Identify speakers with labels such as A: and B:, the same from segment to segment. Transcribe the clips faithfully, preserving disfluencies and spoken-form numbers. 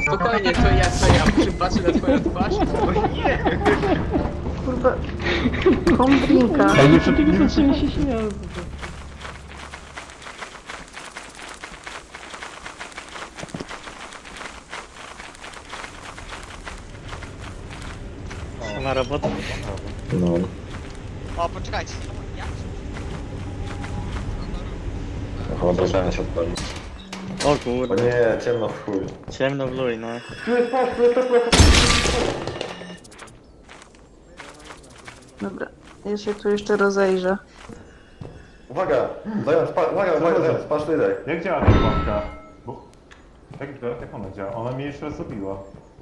A: spokojnie, to ja, to ja przypatrzę na twoją twarz. O nie!
B: Kurwa. Kombinka.
C: Ale nie przed nie zaczęli się śmiać.
D: Ma robotę?
E: No.
F: O, poczekajcie.
E: Chyba obrażenia się odpali.
D: O
E: O
D: kurde,
E: nie, ciemno w chuj.
D: ciemno w luj, no.
B: Dobra, ja się tu jeszcze rozejrzę.
E: Uwaga! Zając, pa, uwaga, uwaga, zając, patrz tutaj.
C: Jak działa ta klamka? Bo... Jak, jak ona działa? Ona mnie jeszcze raz zabiła.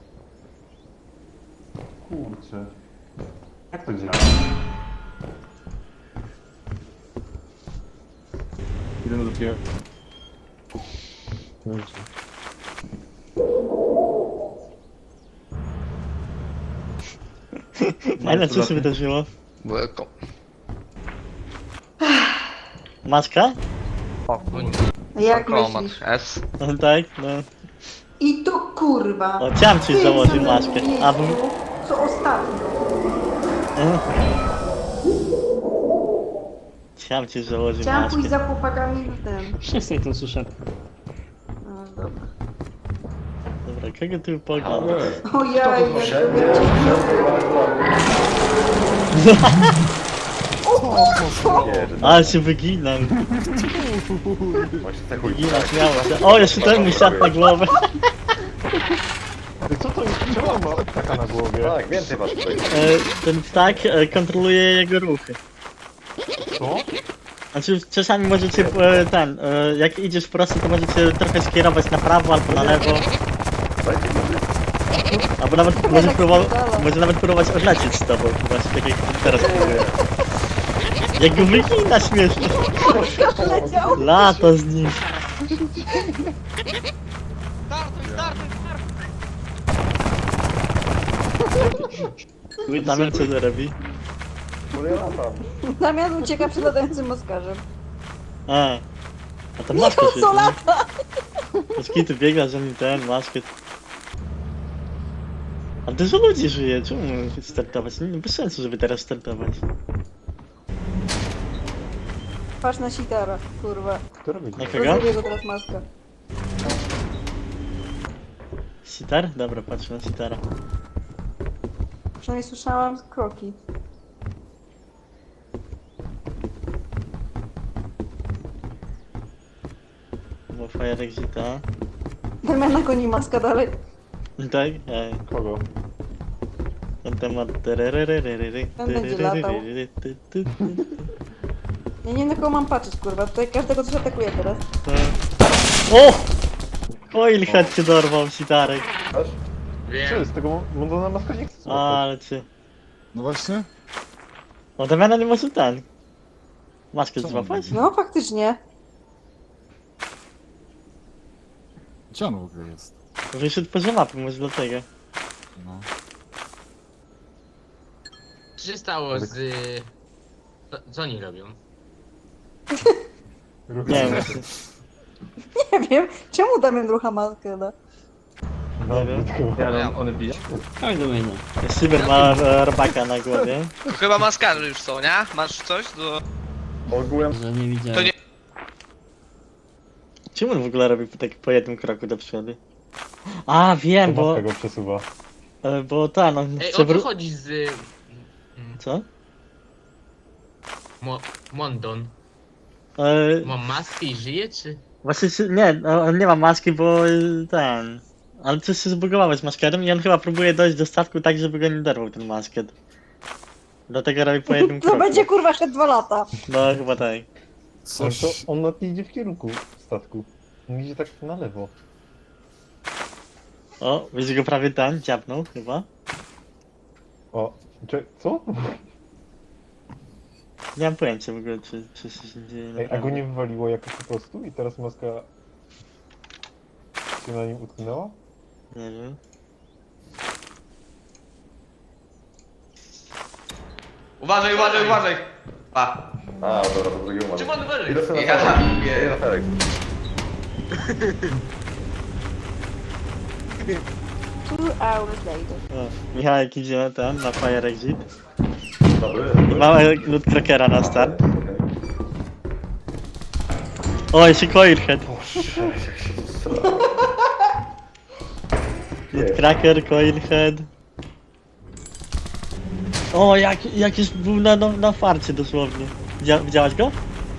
C: Kurczę. Jak to działa? Idę do pier...
D: Ale co się wydarzyło?
A: Welcome.
D: Maska?
B: Jak
A: Command
B: myślisz?
A: S.
D: No tak, no.
B: I tu kurwa.
D: O, chciałem ci
B: Ty
D: założyć
B: samym
D: maskę. A bo...
B: miejscu, co ostatnio.
D: e? Chciałem ci założyć
B: Chciałam
D: maskę.
B: pójść za chłopakami w ten.
C: Wszyscy to słyszę.
B: No dobra.
D: Dobra, kogo tu poglądasz?
B: O ja, ja
E: Wszędzie, wszędzie,
D: Ale się wyginam.
E: Właśnie tak chuj.
D: Wyginam, śmiało się. O, jeszcze ten mi siadł na głowę.
C: Co to jest? Czemu on ma taka na głowie?
E: Tak, więcej masz tutaj.
D: E, ten ptak e, kontroluje jego ruchy.
C: Co?
D: Znaczy czasami możecie e, ten, e, jak idziesz prosto, to możecie trochę skierować na prawo albo na lewo.
E: Dajcie sobie.
D: Albo nawet może, próbować, może nawet próbować odlecieć z tobą, właśnie tak jak teraz próbuję. Jak go wygina śmiesznie.
B: Leciał.
D: Lata z nim.
F: Startuj, startuj, startuj!
D: Damian co to robi?
E: Kurde, ja latam.
B: Damian ucieka przed latającym moskarzem.
D: A, a to maskę
B: Niko, co
D: się
B: lata?
D: tu biega, że mi ten, maskę. A dużo ludzi żyje, czemu startować? Nie, bez sensu, żeby teraz startować.
B: Patrz na sitara, kurwa.
C: Kto robi to?
D: Na kogo?
B: Rozumie go teraz maska.
D: Sitar? Dobra, patrzę na sitara.
B: Przynajmniej słyszałam kroki.
D: Bo Fire Exita.
B: Damiana goni maska dalej.
D: Tak? Ej.
C: Kogo?
D: Ten temat. tererererery,
B: Ten będzie latał.
D: tererererery, ty, ty, ty.
B: Ja nie wiem na kogo mam patrzeć, kurwa. Tutaj każdego coś atakuje teraz.
D: O! Oil head cię dorwał, sitarek.
E: Patrz.
C: Co
A: Wiem.
C: jest? Tego Mondona maska nie chce złapać.
D: Ale cię.
G: No właśnie.
D: O, Damiana nie może ten. Maskę
G: Co?
D: złapać?
B: No faktycznie.
G: Gdzie on w ogóle jest?
D: Wyszedł poza mapę, może dlatego.
G: No.
A: Co się stało z... Co, co oni robią?
C: Ruch-
D: Nie wiem, właśnie.
B: Nie wiem, czemu Damian rucha maskę, no?
C: No,
D: Nie wiem.
C: tylko-
A: Ja,
C: one biją?
D: Cyber ma e, robaka na głowie.
F: To chyba maskarze już są, nie? Masz coś do...
E: Ogółem.
F: To nie...
D: Czemu on w ogóle robi tak po jednym kroku do przodu? A, wiem,
C: To
D: bo...
C: maska go przesuwa.
D: e, Bo ten, on
A: Ej,
D: chce
A: o co
D: wró-
A: chodzi z... mm,
D: Co?
A: Mo Mondon?
D: E,
A: Ma maskę i żyje, czy?
D: Właśnie, się- nie, no, on nie ma maski, bo y, ten... Ale coś się zbugowało z maskerem i on chyba próbuje dojść do statku tak, żeby go nie dorwał ten masket. Dlatego robi po jednym
B: To
D: kroku.
B: będzie kurwa jeszcze dwa lata.
D: No chyba tak.
C: On,
G: Coś...
C: to, on nawet nie idzie w kierunku statku. On idzie tak na lewo.
D: O, widzisz go prawie ten, dziabnął chyba.
C: O, cze- co?
D: Nie mam pojęcia w ogóle, czy, czy się dzieje
C: Ej, a go
D: naprawdę.
C: nie wywaliło jakoś po prostu i teraz maska się na nim utknęła?
D: Nie wiem.
F: Uważaj, uważaj, uważaj! Pa.
E: A, dobra, to drugi umarł.
A: Czym on wyżej?
E: Idę sobie na
F: Ja-
E: ferek. Idę na ferek.
B: Two hours later.
D: O, Michałek idzie na ten, na Fire Exit.
E: Dobry.
D: I mamy loot trackera na start.
E: Okej.
D: O, jeszcze Coilhead.
E: Boże, jak się zesrałem.
D: Loot tracker, Coilhead. O, jak, jak już był na, na, na farcie dosłownie. Widzia, widziałaś go?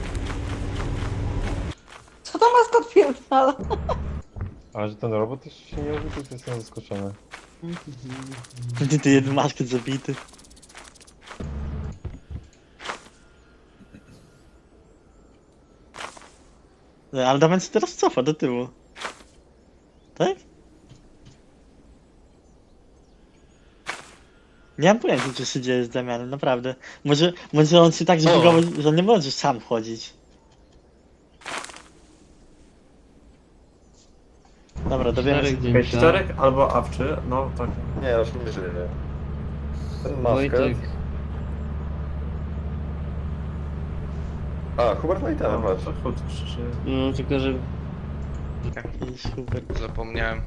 B: Co to maska odpierdala?
C: Ale że ten robot też się nie robi, to jestem zaskoczony.
D: Ty, ty jeden masket zabity. No, ale Damian się teraz cofa do tyłu. Tak? Nie mam pojęcia, co się dzieje z Damianem, naprawdę. Może, może on się tak zbugował, że on nie może sam chodzić. Dobra, dowiemy się.
H: Okej, czterech albo awczy, no tak.
E: Nie, już nie żyje. Ten maskę.
H: Wojtek.
E: A, Hubert ma i ten, patrz.
H: to chód krzyczy.
I: No tylko, że
D: Super.
F: Zapomniałem.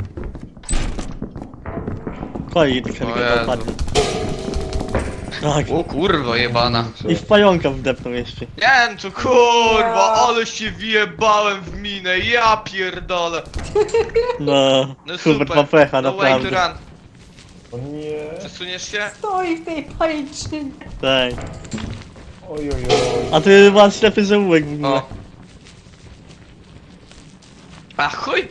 D: Koi,
F: O
D: tylko
F: Jezu.
D: dopadnie. Tak.
F: O kurwa jebana.
D: I w pająka wdepnął jeszcze.
F: Nie, no to kurwa, ale się wjebałem w minę, ja pierdolę.
D: No,
F: No
D: Hubert
F: super.
D: ma pecha,
F: No way to
D: naprawdę.
F: run.
C: O nie!
F: Przesuniesz się?
B: Stoi w tej pajęczynie.
D: Tak.
C: Oj, oj, oj.
D: A ty ma ślepy zaułek w ogóle.
F: O. A chuj!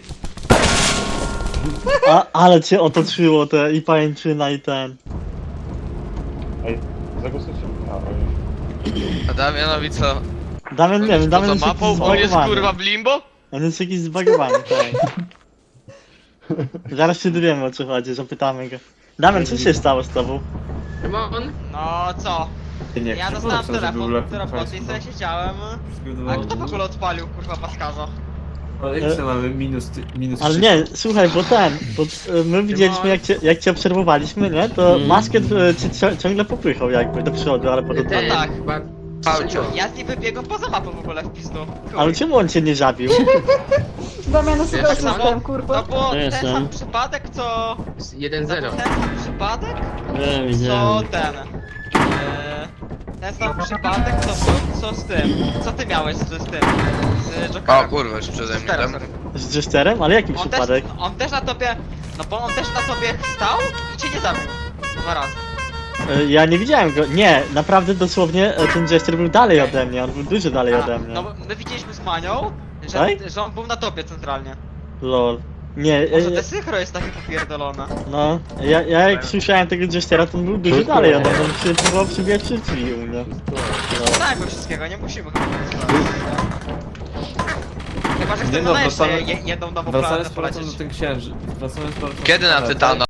D: A, ale cię otoczyło te i pajęczyna i ten.
C: Ej, zagłosujcie. A, oj.
F: A Damianowi co?
D: Damian, nie wiem, Damian
F: Poza
D: jest jakiś
F: mapą? On jest
D: zbagowany.
F: kurwa w limbo?
D: On jest jakiś zbagowany, tak. Zaraz się dowiemy, o co chodzi, zapytamy go. Damian, co się stało z tobą?
A: Szymon?
J: No co?
H: Nie,
J: Ja dostałem telefon do roboty i sobie siedziałem. A kto w ogóle odpalił, kurwa, paskarza?
H: Ale jak to mamy minus, ty- minus
D: Ale
H: trzy.
D: nie, słuchaj, bo ten, bo e, my widzieliśmy jak cię, jak cię obserwowaliśmy, nie? To masket e, cię cio- ciągle popychał jakby do przodu, ale potem...
A: Ten,
J: tak.
A: chyba...
F: Aucio.
J: Ja z nim wybiegłem poza mapą w ogóle w pizdu. Chuj.
D: Ale czemu on cię nie zabił?
B: Damiana sobie
A: tak samo?
B: system,
J: No
B: kurwa.
J: bo
I: To
J: ten
I: jestem.
J: sam przypadek co...
A: jeden
J: No
A: zero.
J: bo ten sam przypadek
I: ja
J: co
I: widziałem.
J: ten... e, Ten sam przypadek co, co, co z tym. Co ty miałeś z, z tym? Z
F: O
J: Jokerem.
F: kurwa, już przeze mnie
J: Teraz,
F: tam.
J: sorry.
D: Z Jesterem? Ale jaki
J: On też,
D: przypadek?
J: on też na tobie... No bo on też na tobie stał i cię nie zabił. Dwa razy.
D: E, Ja nie widziałem go, nie, naprawdę dosłownie e, ten Jester był dalej ode mnie, on był dużo dalej
J: A,
D: ode mnie.
J: no bo my widzieliśmy z Manią, że,
D: Tak?
J: że on był na tobie centralnie.
D: Lol. Nie,
J: Może
D: e,
J: te synchro jest takie popierdolone.
D: no, ja, ja jak słyszałem tego Jestera, to on był dużo
C: Wszystko
D: dalej
C: jest.
D: ode mnie, on się próbował przybijać przez drzwi u mnie.
J: Nie znamy wszystkiego, nie musimy chyba tego Chyba, że
H: Nie
J: chcemy
H: no,
J: na jeszcze
H: wracamy-
J: je, jedną nową
H: Wracając
J: planetę
H: z powrotem
J: polecieć.
H: do ten księży. Wracając z powrotem do
F: Kiedy na
H: planety.
F: Tytana?